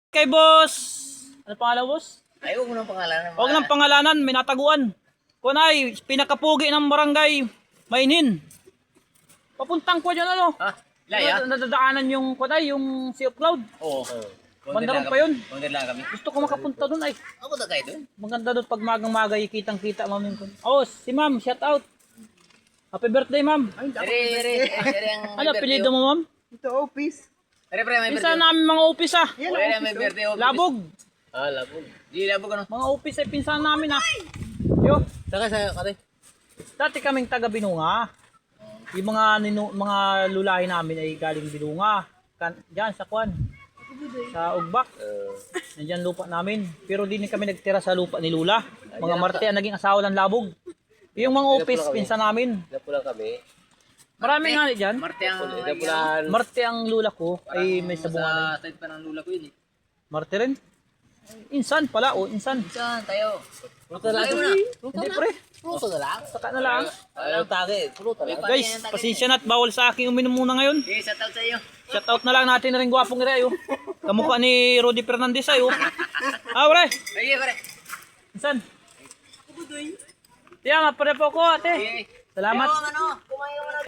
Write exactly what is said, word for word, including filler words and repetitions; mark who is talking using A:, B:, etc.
A: Kay boss. Ano pangalan, boss?
B: Ay, huwag mo nang pangalanan.
A: Huwag ng pangalanan, may nataguan. Kunay, pinakapugi ng barangay Mainin. Papuntang ko dyan ano?
B: Ha? Laya?
A: Nadadaanan yung kunay, yung Sea of Cloud.
B: Oo.
A: Bandarong pa yun.
B: Kundin lang kami.
A: Gusto ko makapunta doon ay.
B: Ako na kayo doon.
A: Maganda doon pag magang-maga, kitang-kita ma'am yung. Oh, si ma'am, shout out. Happy birthday, ma'am.
B: Ere, ere, ere ang
A: Ano apelyido mo, ma'am?
C: Ito, office.
B: Ere, pre, may
A: Pinsan
B: birthday.
A: namin mga upis ah.
B: O, ere, may birthday. oh.
A: Labog.
B: Ah, labog. Di labog ano?
A: Mga upis ay pinsan namin ah. Yo,
B: Saka sa kate.
A: dati kaming taga Binunga. Yung mga ninu, mga lulahi namin ay galing Binunga. Kan, diyan sa Kwan. Sa Ugbak. Nandiyan lupa namin. Pero di na kami nagtira sa lupa ni Lula. Mga Marte ang naging asawa ng Labog. Yung mga upis pinsan namin.
B: Napulang kami.
A: Marami nga diyan.
B: Marte ang napulan.
A: Marte ang lula ko ay may sabungan.
B: Sa side pa ng lula ko yun eh.
A: Marte rin. Insan pala, oh, insan.
B: Saan tayo? Pulutan
A: Tayo na. Hindi pre.
B: Pulutan na lang.
A: Saka na lang.
B: Ayaw tage. Pulutan lang.
A: Guys, pasensya na at bawal sa akin uminom muna ngayon.
B: Okay, shout out sa iyo.
A: Shoutout na lang natin na rin gwapong ira ayo. Kamukha ni Rudy Fernandez ayo. Ah, pre.
B: Sige, pare.
A: Insan. Tiyan, pare po ko ate.
B: Okay.
A: Salamat.
B: Ano? Kumain ka muna.